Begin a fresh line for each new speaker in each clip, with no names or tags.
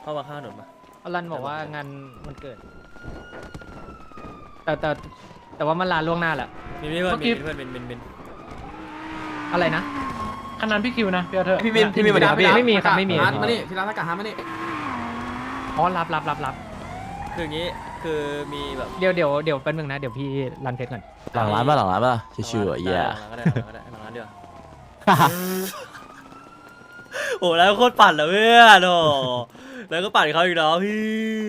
เข้ามาข้างถนนมา
อลันบอกว่างานมันเกิด แต่ว่ามันลาล่วงหน้าแหละ
มีเพื่อนมีเพื่อนเป็น
อะไรนะ
ขนาดพี่คิวนะพี่เธอ
พี่บินมาดิครับพี่
ไม่มีครับไม่มี
มานี่พี่ร้านอากาศฮามานี่
อ๋อรับ
คืออย่างนี้คือมีแบบ
เดี๋ยวแป๊บนึงนะเดี๋ยวพี่รันเพชรก่อน
หลังร้านป่ะชิวๆอ่ะเหี้ย
หลังก็ได้หลังเดียวโอ้แล้วโคตรปั่นเลยเพื่อนโอ้แล้วก็ปั่นเขาอีกแล้วพี่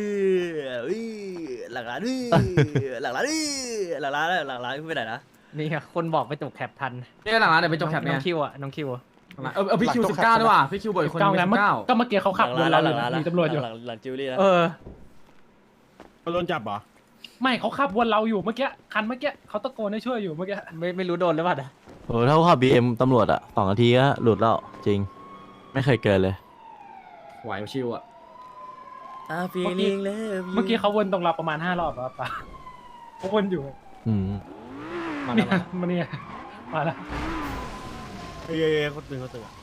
หลังร้านหลังร้านไปไหนนะ
นี่ไงคนบอกไปจบแคปทัน
นี่หลังร้านเดี๋ยวไปจบแคป
น้
เนี่
อย งคิวอ่ะน้องคิว
พี่คิว19ด้วยว่ะพี่คิวบ่อยคน
เก้า
มี
แล้วก็เมื่อกี้เขาขับวนเราอยู่มีตำรวจอยู่
หลังจิวเวลรี่นะ
โดนจับเหรอไม่เขาขับวนเราอยู่เมื่อกี้คันเมื่อกี้เขาตะโกนให้ช่วยอยู่เมื่อกี้
ไม่รู้โดนหรือเปล่านะ
โอ้ถ้าขับ BM ตำรวจอ่ะ2 นาทีก็หลุดแล้วจริง ไม่เคยเกินเลย
ไหวชิวอ่ะ
ฟีลิ่งเลย
เมื่อกี้เขาวนตรงเราประมาณ5 รอบครับป้าเขาวนอยู่
อืม
เนี่ยมาเนี่ยมาแล้ว
เขาตื่น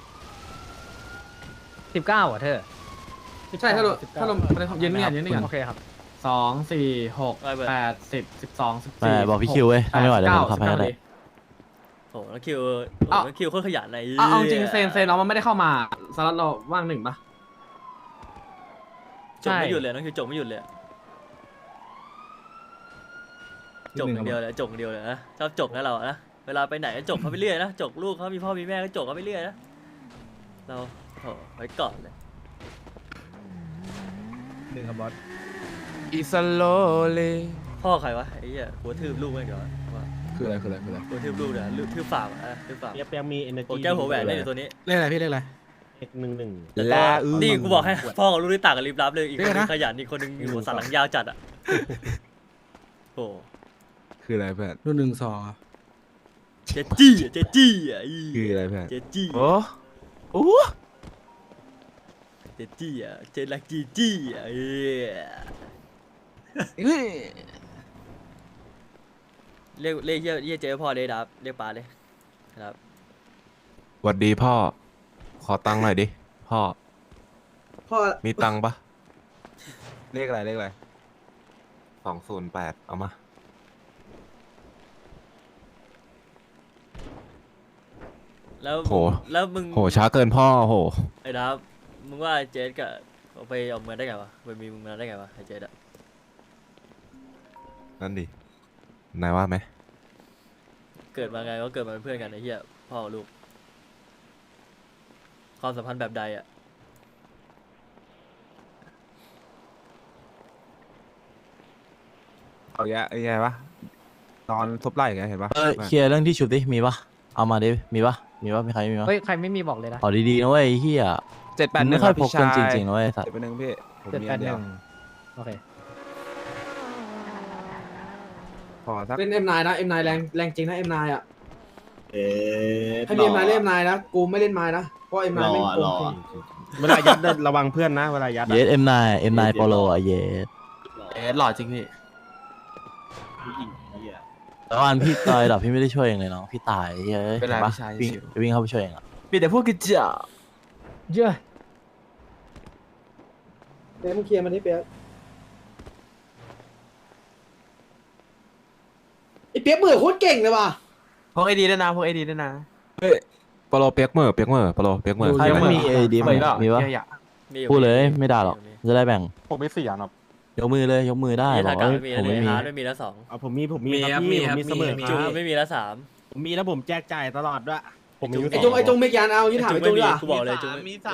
19อ่ะเธอ
ใช่ถ้าลงยืนนี่กัน
โอเคครับ
2 4 6 8 10 12
แต่บอกพี่คิวเว้ยถ้าไม่ไหวเดี๋ยวผมขับให้ก็ได้
โอ้แล้วคิวโคตรขยันเลย
เอาจริงเซนเรามันไม่ได้เข้ามาสล็อตเราว่างหนึ่งปะ
จบไม่หยุดเลยน้องคิวจบไม่หยุดเลยจบอย่างเดียวเลยนะชอบจบนะเรานะเวลาไปไหนก็จบเขาไปเรื่อยนะจบลูกเขามีพ่อมีแม่ก็จบเขาไปเรื่อยนะเราไว้ก่อนเลย
หนึ่งครับบอส
อิสโลเล
พ่อใครวะไอ้เหี้ยหัวทืบลูกไม่เดี๋ยวว่า
คืออะไร
หัวทืบลูกเนี่ยทืบฝากอ่ะทืบฝาก
เปียกมี energy
โอ้แก้วหัวแหวนได้อยู่ตัวนี้
เรียกอะไรพี่เรียกอะไร
11
ลา
นี่กูบอกให้พ่อกับลูกที่ต่างกันลิบลับเลยอีกคนนึงขยันอีกคนนึงหัวสันหลังยาวจัดอ่ะโอ้
คืออะไรเพื่อน
รุ่น1
เจจี้อ่ะ
คืออะไรเพื่อน
เจจี้
โอ้โอ้
เจจี้อ่ะเจลักจี้อ่ะเรียกเจ๊พ่อเลยครับเรียกป้าเลยครับ
หวัดดีพ่อ ขอตังค์หน่อยดิพ่อ
พ่อ
มีตังค์ปะเลขอะไร208เอามา
แล้วมึง
โหช้าเกินพ่อโห
ไอ้ดับมึงว่าเจ๊กับไปเอาเงินได้ไงวะไปมีมึงมาได้ไงวะไอ้เจ๊อะ
นั่นดินายว่าไหม
เกิดมาไงก็เกิดมาเป็นเพื่อนกันไอ้เหี้ยพ่อลูกความสัมพันธ์แบบใดอ่ะ
เอาแย่ไงวะนอนทบไหล่ไงเห็นปะ
เคลียร์เรื่องที่ชุบดิมีปะเอามาดิมีปะมีใครมีปะ
เฮ้ยใครไม่มีบอกเลยนะ
ขอดีๆนะเว้ยเฮีย
781
ไม่ค่อยพกกันจริงๆนะเว้ยสัตว์
781พี่ผมมีอันเดียว
โอเค
ขอสัก
เล่น M9 นะ M9 แรงจริงนะ M9 อ่ะให้มี M9 เล่น M9 นะกูไม่เล่นไม้นะเพราะ M9 ไม่โกง
เวลายัดระวังเพื่อนนะเวลายัด
เยส M9 โปโลอ่ะเยส
หล่อจริงพี่
แต่ว่าอันพี่ตายดับพี่ไม่ได้ช่วยเองเลยน้องพี่ตายเฮ้ย
เป็นไร
ห็ปะ
พี่ชาย
วิ่งเข้าไปช่วยเองอ่ะ
มีแต่พวกกระจอก
เยอะ
เปียกมึงเคลียร์มันนี่เปียกไอเปียกมือโคตรเก่งเลยว่ะ
พวกไอดีด้วยนะ
โปโลเปียกเมอร์โปโลเปียกเมอร์
ใครไม่มีเอดีไหมมีปะ พูดเลยไม่ด่าหรอกจะได้แบ่ง
ผมไม่เสียหรอก
ยกมือเลยยกมือได้
นี่
บอ
ทาก งการ
ว่า
ไม่มี
ผม
เลย
ไม่มี
ฮาร์ดไม่มีแล้วสอง
ผมมีครับพี่ผมมีเสมอ
จูไม่มีแล้วสาม
ผมมีแล้วผมแจกจ่ายตลอดด้วยผมมี
ไอจงเมกยานเอาที่ถามไอจ
ไม่
ง
มี
ดีกว่า
กูบอกเลยจูมีสาม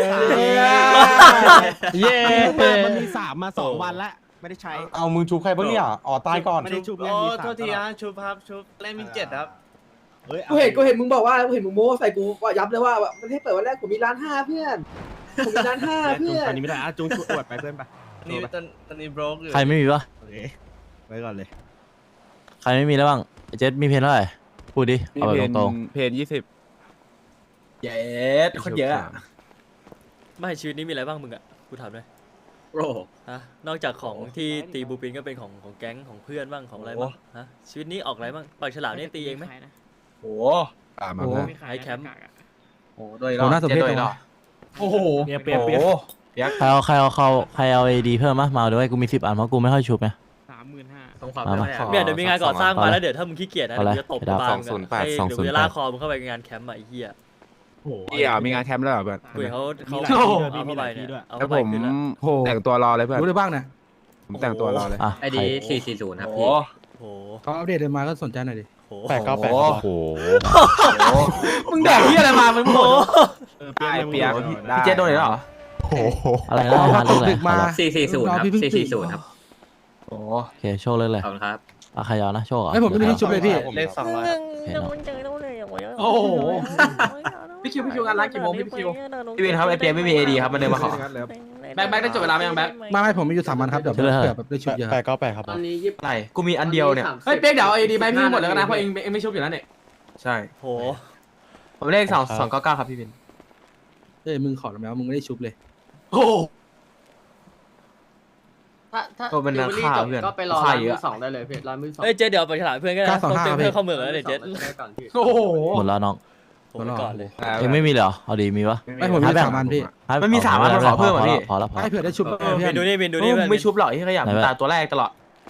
เย้
มันมี3มา2 วันแล้วไม่ได้ใช้
เอามึงชูใครบ้างเนี่ยอ๋อตายก่อน
ไม่ได้ชุบเล่นมี3
โทษทีนะชุบครับชุบเล่นมี7ครับ
กูเห็นมึงบอกว่าเห็นมึงโม้ใส่กูว่ายับเลยว่ามันให้เปิดวันแรกผมมี1,500,000เพื่อนผมมี1,500,000เพื่อน
ตอนนี้ไม่ได้จุงอวดไปเพื่อนไป
นี่ตอนนี้บล็อกอยู่
ใครไม่มีปะ
โอเคไว้ก่อนเลย
ใครไม่มีแล้วบ้างไอ้เจสมีเพนเท่าไหร่พูดดิเอาแบบตรง
เพน20
เย็ดคนเยอะอะ
ไม่ชีวิตนี้มีอะไรบ้างมึงอ่ะกูถามด้วย
โอ้
ฮะนอกจากของที่ตีบูปินก็เป็นของแก๊งของเพื่อนบ้างของอะไรบ้างฮะชีวิตนี้ออกอะไรบ้างปากฉลามนี่ตีเองไหม
โห
ตามมาแล้ว
ไอแคมป์
โหโดยรอบน่าสนใจโดยรอบโอ้โห
เปียก
ใครเอาเอดีเพิ่มมาเอาด้วยกูมี10 อันเพราะกูไม่ค่อยชุบไง
ต้องความ
มา
เป็น
มา
ไปได้
เนี่ยเดี๋ยวมีงานก่อสร้าง
เอา
มา
เลย
แล้วเดี๋ยวถ้ามึงขี้เกียจนะ
เอาเลย
เดี๋ยวจะตบ
ไปดาว
บาง
208
เดี๋ยวกูจะลากคอมึงเข้าไปงานแคมป์อะไอ้เหี้ย
โอ้โห
พี่อ่ะมีงานแคมป์แล้วเหรอเพื่อน
กูเห็นเขา
มี
เขา
หลายที่ด้วย
เอาเข้าไป
มีหลายที่
เนี่ย
ด้วย
เอา
แล้ว
เข้า
ผ
ไป
ม
ขึ้นแล้ว
แต่งตัวรอเลยเพื่อน
รู้ได้บ้างนะ
ผมแต่งตัวรอเลย
อ่ะ
ไอดี440ครับ
โอ้
พี่
โห
เขาอัปเดตมาก็สนใจหน่อยดิ
โอ้โห
โอ้โห
มึงแดกที่อะไรมามึงหมด
ได้เปียก
พี่เจโดนอีกแล้วเหรอ
อะไรนะหาเรื่องอะไร
ดึกมา
440ครับ
พี่เพิ่งตื่น
440ครับ
โอ้
โอเคโชว์เลยเลย
ขอบคุณครับ
อ่ะใครเอานะโชว์เหรอ
ไอผมไม่มีที่ชุบเลยพี่
เลข200
โอ้โห พี่คิวงานร้านกี่โมงพี่คิว
พี่วินครับไอเปียไม่มีเอดีครับมันเดินมาขอ
แบ็คได้จบเวลาไหมยังแบ็ค
ไม่ผมมีอยู่3 วันครับเดี๋ยวเผื่อแบบได้ชุบเยอะ
898ครับ
ตอนนี้20
อะไรกูมีอันเดียวเนี่ย
เฮ้ยเป๊กเดี๋ยวไอดีไปพี่หมดแล้วนะเพราะเองไม่ชุบอยู่แล้วเนี่ย
ใช่
โห
ผมเลข299ครับพี่วิน
เอ้ยมึงขอแล้วมึงไม่ได้ชุบเลย
โอ้
ถ้า
ก็เป็นราคาเพื่อน
ก็ไปรอ
ค่า
ร้าน
เย
มื
อะ
อสองได้เลยพี่ร้านมือสอง
เอ้ยเจ๊เดี๋ยวไปฉลามเพื่อนก็ได้นะต้องเติมเพื่อนเข้าเมืองแล้วเดี๋ยวเจ๊
ก่อนพี่
โห
หมดแล้วน้อง
ผมไปก่อนเลย
เองไม่มีเลยเหรอเอาดีมีปะ
ไม่ผมมี3 วันพี่
มันมี3 อันมันขอเพิ่มอ่ะพี่
พอแล้ว
ให้เผื่อได้ชุบเพื่
บิ
อน น
ดูนี่บินดูนี่เพื่อน
ไม่ชุบหรอกที่ขยันตาตัวแรกตลอด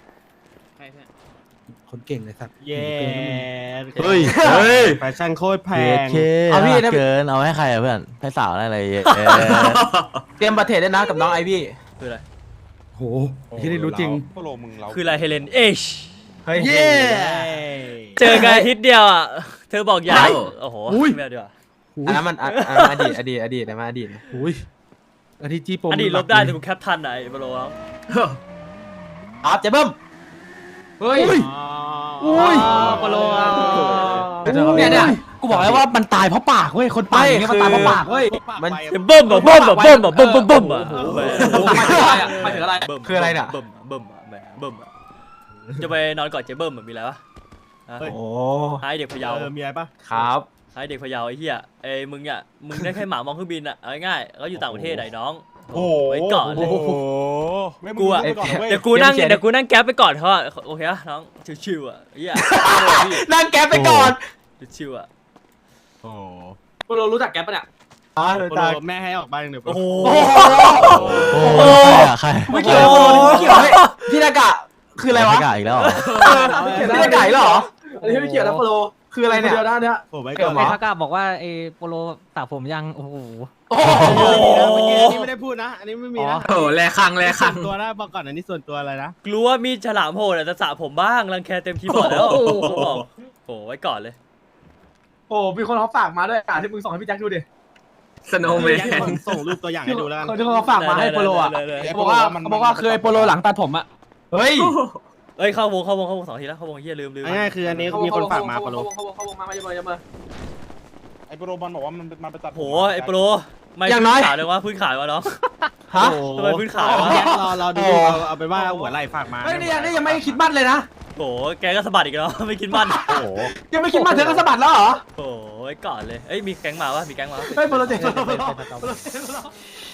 คนเก่งเลยสัตว์
เย้
เฮ้ย
แฟชั่นโคตรแพ
เย
ง
เค
เอาพี่นะ
เกินเอาให้ใครอะเพื่อนให้สาวได้เลย
เตรียมบัตรเทรดได้นะกับน้องไอพี่
คืออะไร
โหที่ได้รู้จริง
คืออะไรเฮเลนเอช
เฮ้ย
เย้
เจอกันอาทิตย์เดียวอ่ะเธอบอกอยากโอ้โหไม่เอาดีกว่า
อันนั้นมันอดีตนะมาอดีต
อุ้ยอาทิตย์จีโปร
อดีตลบได้แต่กูแคปทันไหนบอลลูน
ครับเจ๊เบิ้ม
เฮ้ย
อุ้ย
บอลลูน
เนี่ยกูบอกแล้วว่ามันตายเพราะปากเว้ยคนปากอย่างเงี้ยมันตายเพราะปากเว้ย
มัน
เบิ่มอ่ะเบิ่มอ่ะเบิ่มอ่ะเบิ่มเบิ่มเบิ่มอ่ะ
หมายถึงอะไร
คืออะไรน่ะ
เบิ่มเบิ่มอ่ะแหมเบิ่มอ่ะจะไปนอนก่อนเจ๊เบิ่มอ่ะมีอะไรวะ
เฮ้ย
โอ้
ให้เด็กพะเยา
มีอะไรปะ
ครับ
ให้เด็กพะเยาไอ้เหี้ยเอ้ยมึงอ่ะมึงได้แค่หมามองเครื่องบินอ่ะเอาง่ายๆเขาอยู่ต่างประเทศไหนน้องไว้ก่อนเลย กูอะ เดี๋ยวกูนั่งแก๊ปไปก่อนเขาอะโอเคอะน้องชิวๆอะเหี้ย
นั่งแก๊ปไปก่อน
ชิวๆอะ
โอ้
กูรู้จักแก๊ปปะเนี่ย
โปโลแม่ให้ออกบ้านเดี๋ยว
โอ้โห
โอ้ใคร
ไม่เกี่ยวไม่เกี่ยวพี่นากะคืออะไรวะ
ม่กล้าอีกแล้วเหรอ
พี่นากะอีกแล้วเหรอ
อันนี้ไม่เกี่ยวนะโปโล
คืออะไรเนี่ย
เดียวด้านเนี้ย
ผมไว้
เกี่
ก่
ย
อ
วน เหรอ
นะ
ทากะบอกว่าไอ้โปโลตากผมยังโอ้โห
เมื่อกี้อันนี้ไม่ได้พูดนะ อันนี้ไม่มีนะ
โอ้แลคัง
ส่วนตัวนะบอกก่อนอันนี้ส่วนตัวอะไรนะ
กลัวมีฉลามโหดอะจะสระผมบ้างรังแคเต็มคีย์บอร์ดแล้วบอกโอ้ไว้ก่อนเลย
โอ้มีคนเขาฝากมาด้วยที่มึงส่งให้พี่แจ็คดูดิ
สโนว์แมน
ส่งรูปตัวอย่างให้ดูแล้วกัน
คนที่เขาฝากมาให้โปโลอ่ะ
ได้
เขาบอกว่าเคยโปโลหลังตัดผมอ่ะ
เฮ้ย
เอ้ยเข้าวง2 ทีแล้วเข้าวงเฮียลืม
ง่ายๆคืออันนี้มีคนฝากมาโปโล
เขาวงมาอย่ามา
ไอโปโลบอลบอกว่ามันไปตัด
โหไอ้โปรไม่
อย่างน้อย
ขาวเลยวะพื้นขายวะน้อง
ฮะ
ทำไมพื้นขาววะ
แจ็คเราดูเอาไปว่าหัวไหล่ฝากมา
เฮ้ยนี่ยังไม่คิดบ้านเลยนะ
โหแกก็สะบัดอีกแล้วไม่คิดมั่น
โอ้โห
ยังไม่คิดบ้านเธอก็สะบัดแล้วเหรอ
โอ้ไว้ก่อนเลยเอ้ยมีแก๊งมาวะมีแก๊งมา
เฮ้ยโปโลเจ๋ง